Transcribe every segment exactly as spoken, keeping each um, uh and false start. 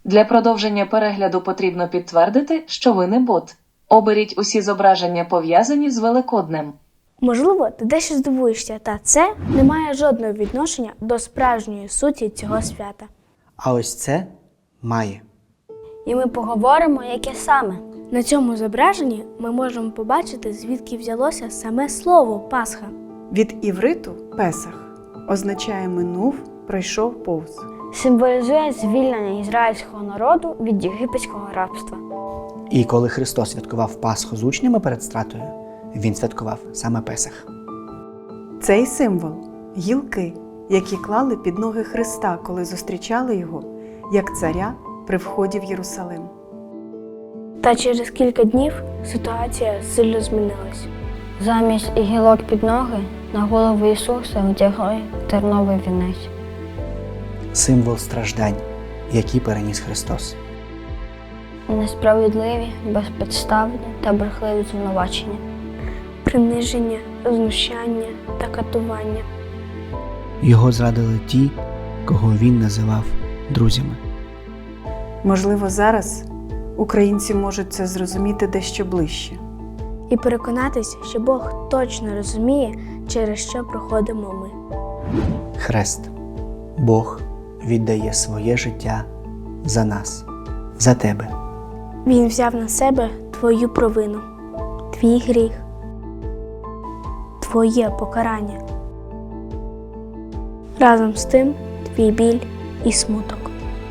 Для продовження перегляду потрібно підтвердити, що ви не бот. Оберіть усі зображення, пов'язані з Великоднем. Можливо, ти дещо здивуєшся, та це не має жодного відношення до справжньої суті цього свята. А ось це має. І ми поговоримо, яке саме. На цьому зображенні ми можемо побачити, звідки взялося саме слово «Пасха». Від івриту «Песах» означає «минув, пройшов повз». Символізує звільнення ізраїльського народу від єгипетського рабства. І коли Христос святкував Пасху з учнями перед стратою, Він святкував саме Песах. Цей символ – гілки, які клали під ноги Христа, коли зустрічали його, як царя при вході в Єрусалим. Та через кілька днів ситуація сильно змінилась. Замість гілок під ноги на голову Ісуса одягли терновий вінець. Символ страждань, які переніс Христос. Несправедливі, безпідставні та брехливі звинувачення. Приниження, знущання та катування. Його зрадили ті, кого Він називав друзями. Можливо, зараз українці можуть це зрозуміти дещо ближче. І переконатись, що Бог точно розуміє, через що проходимо ми. Хрест. Бог віддає своє життя за нас, за тебе. Він взяв на себе твою провину, твій гріх, твоє покарання. Разом з тим твій біль і смуток.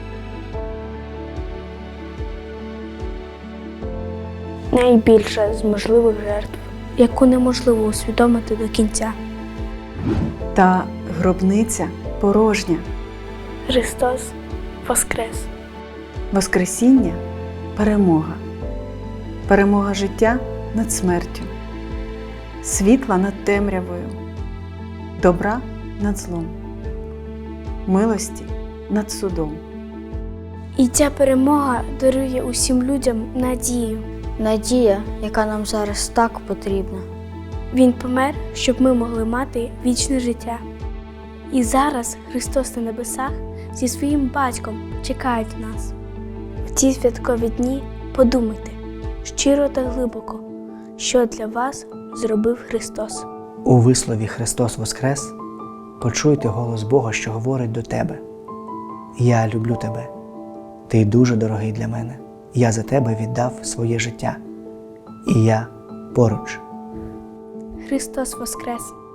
Найбільша з можливих жертв, яку неможливо усвідомити до кінця. Та гробниця порожня. Христос воскрес. Воскресіння – перемога. Перемога життя над смертю, світла над темрявою, добра над злом, милості над судом. І ця перемога дарує усім людям надію. Надія, яка нам зараз так потрібна. Він помер, щоб ми могли мати вічне життя. І зараз Христос на небесах зі своїм батьком чекають нас. В ці святкові дні подумайте щиро та глибоко, що для вас зробив Христос. У вислові «Христос воскрес» почуйте голос Бога, що говорить до тебе. «Я люблю тебе. Ти дуже дорогий для мене. Я за тебе віддав своє життя. І я поруч». Христос воскрес!